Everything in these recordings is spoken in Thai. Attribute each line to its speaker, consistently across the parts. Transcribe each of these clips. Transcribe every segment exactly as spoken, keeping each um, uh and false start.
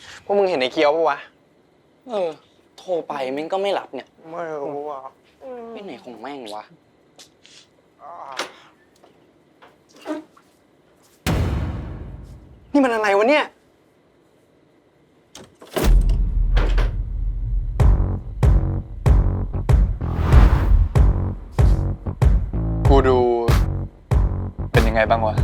Speaker 1: พวกมึงเห็นไอ้เกียวปะวะ
Speaker 2: เออโทรไปแม่งก็ไม่รับเนี่ย
Speaker 1: ไม่รู้อ่ะ
Speaker 2: ไปไหนของแม่งวะ
Speaker 1: นี่มันอะไรวะเนี่ย
Speaker 3: กูดูเป็นยังไงบ้างวะ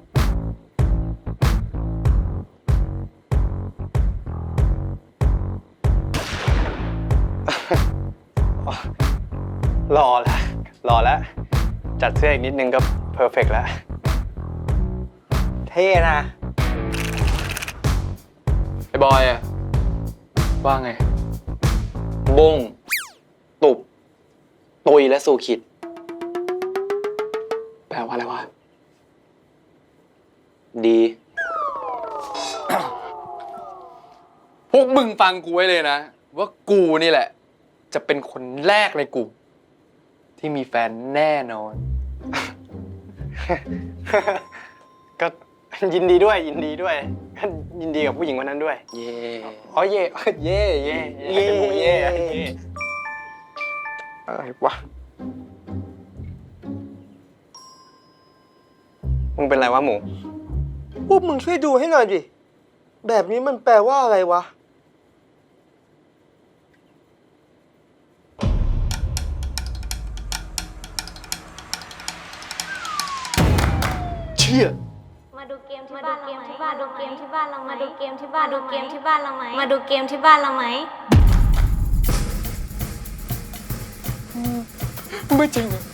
Speaker 1: รอแล้วรอแล้วจัดเสื้ออีกนิดนึงก็เพอร์เฟกต์แล้วเท่นะ
Speaker 3: ไอ้บอยอะว่าไง
Speaker 2: บงตุบตุยและสู่ขิด
Speaker 3: แปลว่าอะไรวะ
Speaker 2: ดี
Speaker 3: พวกมึงฟังกูไว้เลยนะ ว่ากูนี่แหละ จะเป็นคนแรกในกลุ่มที่มีแฟนแน่นอน
Speaker 1: ก็ยินดีด้วยยินดีด้วยยินดีกับผู้หญิงคนนั้นด้วย
Speaker 2: เย่
Speaker 1: อ๋อเย่เย่เย่เย่เย่อะไรวะมึงเป็นไรวะหมู
Speaker 4: พวกมึงช่วยดูให้หน่อยดิ แบบนี้มันแปลว่าอะไรวะ
Speaker 3: เชี่ย
Speaker 5: มาดูเกมที่บ้านเราไหมมาดูเกมที่บ้านเราไหมมาดูเกมที่บ้านดูเกมที่บ้านเราไหมมาดูเกมที่บ้านเราไหม
Speaker 3: ไม่จริงอะ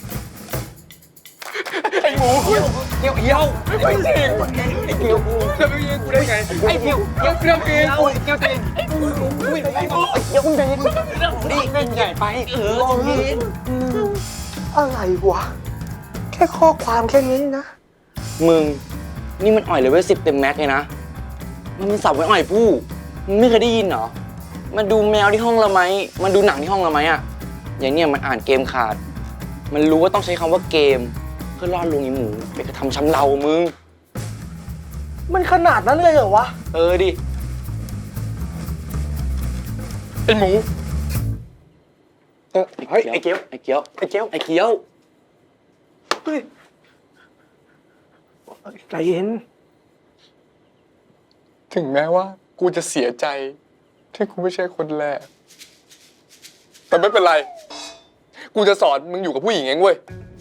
Speaker 3: ไอ้หมูเหี้ยวเหี้ยวเหี้ยวไม่จริงไอ้เหี้ยวกูจะไปยิงกูได้ไงไอ้เหี้ยวเหี้ยวเหี้ยวเหี้ยวเหี้ยวจริงไอ้หมูไม่ได้ไอ้เหี้ยวมึงใจเย็นนี่เล่นใหญ่ไปเออจริง
Speaker 4: อะไรวะ แค่ข้อความแค่นี้นะ
Speaker 2: มึงนี่มันอ่อยเลเวลสิบเต็มแม็กเลยนะมันมีสับไว้อ่อยผู้มึงไม่เคยได้ยินเหรอมาดูแมวที่ห้องเราไหมมาดูหนังที่ห้องเราไหมอะอย่างเนี้ยมันอ่านเกมขาดมันรู้ว่าต้องใช้คำว่าเกมเพื่อล่อลวงไอ้หมูไปกระทำช้ำเรามึง
Speaker 4: มันขนาดนั้นเลยเหรอวะ
Speaker 2: เออดิ
Speaker 3: ไอ้หมู
Speaker 1: เฮ้ยไอ้เกียว
Speaker 2: ไอ้เกี้ยว
Speaker 1: ไอ้เกียว
Speaker 2: ไอ้เกี้ยว
Speaker 4: เฮ้ย ใจเย็น
Speaker 3: ถึงแม้ว่ากูจะเสียใจที่กูไม่ใช่คนแรกแต่ไม่เป็นไรกูจะสอนมึงอยู่กับผู้หญิงเองเว้ย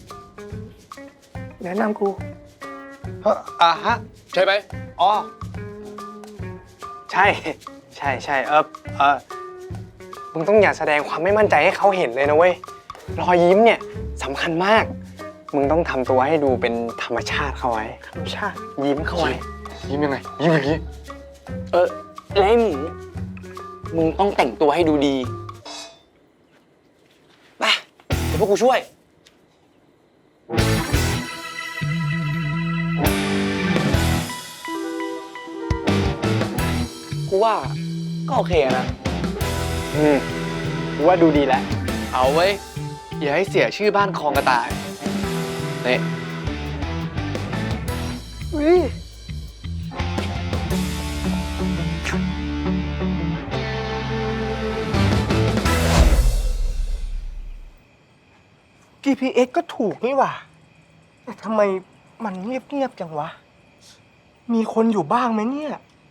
Speaker 4: แนะนำกู
Speaker 1: เฮ้ออ่ะฮะ
Speaker 3: ใช่ไหม
Speaker 1: อ๋อใช่ใช่ใช่เออเออมึงต้องอย่าแสดงความไม่มั่นใจให้เขาเห็นเลยนะเว้ยรอยยิ้มเนี่ยสำคัญมาก มึงต้องทำตัวให้ดูเป็นธรรมชาติเข้าไว้ธรรมชาติยิ้มเข้าไว้
Speaker 3: ยิ้มยังไงยิ้มอย่างนี้
Speaker 2: เออแล้วไอ้หมูมึงต้องแต่งตัวให้ดูดีไปเดี๋ยวพวกกูช่วยกูว่าก็โอเคนะ
Speaker 1: อืมกูว่าดูดีแล้ว
Speaker 3: เอาไว้ยอย่าให้เสียชื่อบ้านคลองกระต่ายนี่
Speaker 4: อุ้ย จี พี เอส ก็ถูกนี่หว่า แต่ทำไมมันเงียบๆจังวะ มีคนอยู่บ้างไหมเนี่ย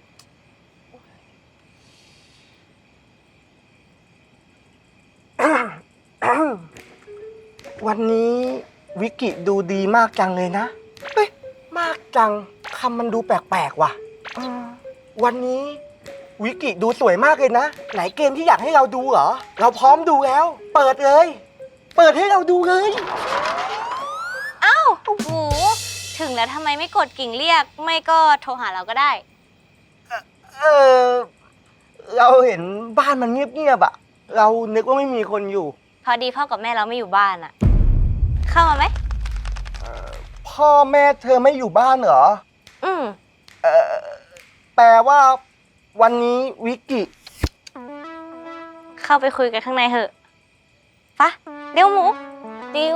Speaker 4: วันนี้วิกิดูดีมากจังเลยนะ เฮ้ย มากจังคำมันดูแปลกๆว่ะเออวันนี้วิกิดูสวยมากเลยนะ ไหนเกมที่อยากให้เราดูเหรอ เราพร้อมดูแล้ว เปิดเลย เปิดให้เราดูเลย
Speaker 5: อ้าวหมูถึงแล้วทำไมไม่กดกิ่งเรียก ไม่ก็โทรหาเราก็ได้
Speaker 4: เออ เราเห็นบ้านมันเงียบๆอะเรานึกว่าไม่มีคนอยู่
Speaker 5: พอดีพ่อกับแม่เราไม่อยู่บ้านอะเข้ามาไหม
Speaker 4: พ่อแม่เธอไม่อยู่บ้านเหรอ
Speaker 5: อืม
Speaker 4: เออแปลว่าวันนี้วิกิ
Speaker 5: เข้าไปคุยกันข้างในเถอะปะเร็วหมูเร็ว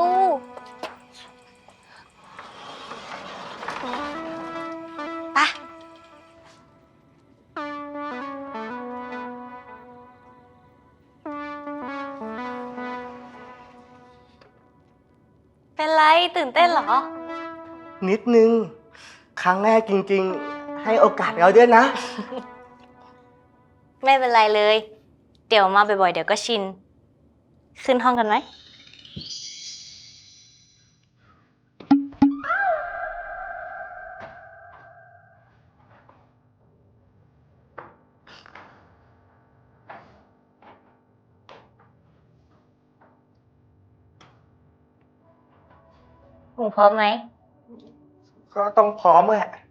Speaker 5: ปะเป็นไรตื่นเต้นเหรอ
Speaker 4: นิดนึง ครั้งแรกจริงๆ ให้โอกาสเราด้วยนะ
Speaker 5: ไม่เป็นไรเลย เดี๋ยวมาบ่อยๆ เดี๋ยวก็ชิน ขึ้นห้องกันไหม หนูพร้อมไหม
Speaker 4: ก็ต้องพร้อมแหละ